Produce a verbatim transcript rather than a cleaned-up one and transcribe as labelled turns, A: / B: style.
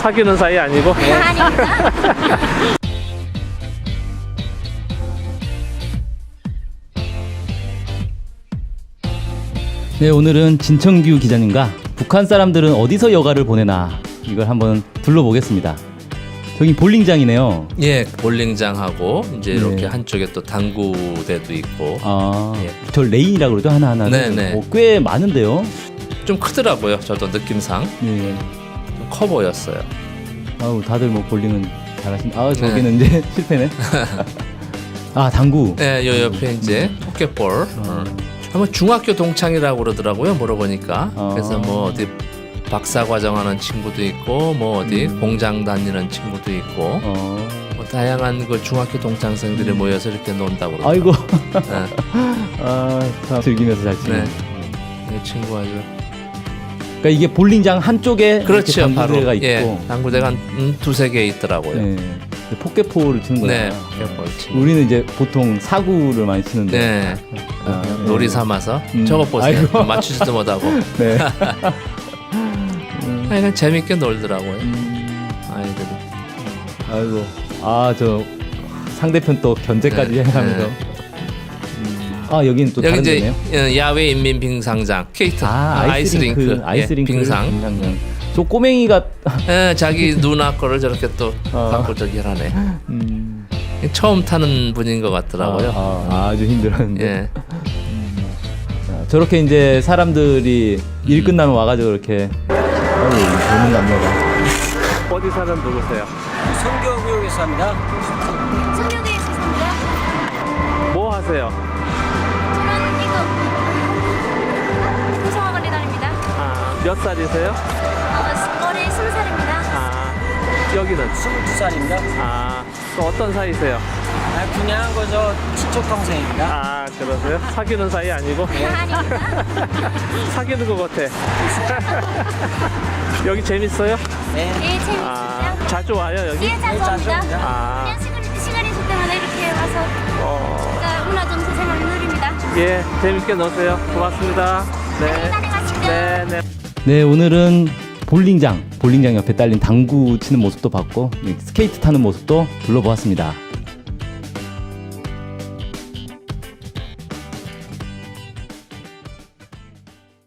A: 사귀는 사이 아니고?
B: 네. 아닙니다.
C: 네, 오늘은 진청규 기자님과 북한 사람들은 어디서 여가를 보내나 이걸 한번 둘러보겠습니다. 저기 볼링장이네요.
D: 예, 볼링장하고 이제
C: 네.
D: 이렇게 한쪽에 또 당구대도 있고.
C: 아,
D: 예.
C: 저 레인이라고 그러죠, 하나하나.
D: 네네.
C: 어, 꽤 많은데요.
D: 좀 크더라고요. 저도 느낌상
C: 네.
D: 좀 커 보였어요.
C: 아우, 다들 뭐 볼링은 잘하신. 아, 저기는 이제 실패네. 아, 당구.
D: 네, 요 옆에 이제 포켓볼. 어. 한번 중학교 동창이라고 그러더라고요. 물어보니까.
C: 어.
D: 그래서 뭐 어디 박사 과정하는 친구도 있고, 뭐 어디
C: 음.
D: 공장 다니는 친구도 있고,
C: 어.
D: 뭐 다양한 그 중학교 동창생들이 모여서 이렇게 논다고 그러더라고요.
C: 아이고.
D: 네.
C: 아, 참 즐기면서 잘 치네.
D: 네. 이 친구 아주.
C: 그러니까 이게 볼링장 한쪽에
D: 그렇죠.
C: 이렇게
D: 바로
C: 당구대가 있고.
D: 예, 당구대가 한 음, 두세 개 있더라고요.
C: 네. 포켓볼을 치는 거예요.
D: 네, 포켓볼 치고.
C: 우리는 이제 보통 사구를 많이 치는데.
D: 네.
C: 아, 네.
D: 놀이 삼아서
C: 음.
D: 저거 보세요.
C: 아이고.
D: 맞추지도 못하고.
C: 네.
D: 그냥 재밌게 놀더라고요.
C: 음,
D: 아이들이.
C: 아이고. 아, 저 상대편 또 견제까지
D: 네,
C: 해가면서.
D: 네.
C: 음. 아, 여기는 또
D: 여기
C: 다른
D: 이제
C: 데네요.
D: 어, 야외 인민 빙상장, 케이트,
C: 아, 아이스링크,
D: 아이스링크,
C: 아이스링크
D: 예, 빙상.
C: 빙상장. 저 꼬맹이가
D: 예, 자기 누나 거를 저렇게 또
C: 어.
D: 갖고 저기 하네.
C: 음,
D: 처음 타는 분인 것 같더라고요.
C: 아, 아, 아주 힘들었는데.
D: 예.
C: 자, 저렇게 이제 사람들이 일
D: 음.
C: 끝나면 와가지고 이렇게 아유, 젊은 남녀가.
A: 어디 사는 누구세요?
E: 성교구역에 삽니다.
B: 성교도에 있습니다.
A: 뭐 하세요?
B: 저는 이거 구성학원에 다닙니다.
A: 아, 몇 살이세요?
B: 어, 올해 스무 살입니다.
A: 아, 여기는?
E: 스물두 살입니다.
A: 아, 또 어떤 사이세요?
E: 아, 그냥 그저 친척 동생입니다.
A: 아, 그러세요? 사귀는 사이 아니고?
B: 아닙니다.
A: 사귀는 것 같아. 여기 재밌어요?
E: 네.
B: 예, 재밌습니다.
A: 아, 자주 와요, 여기?
B: 예, 자주
E: 자주
B: 옵니다.
E: 옵니다.
A: 아,
B: 그냥 시간, 시간 있을 때마다 이렇게 와서
A: 어,
B: 그러니까 문화점수 생활을 누립니다.
A: 예, 재밌게 노세요. 고맙습니다. 네.
B: 다녀가시죠.
A: 네, 네.
C: 네, 오늘은 볼링장, 볼링장 옆에 딸린 당구 치는 모습도 봤고, 스케이트 타는 모습도 둘러보았습니다.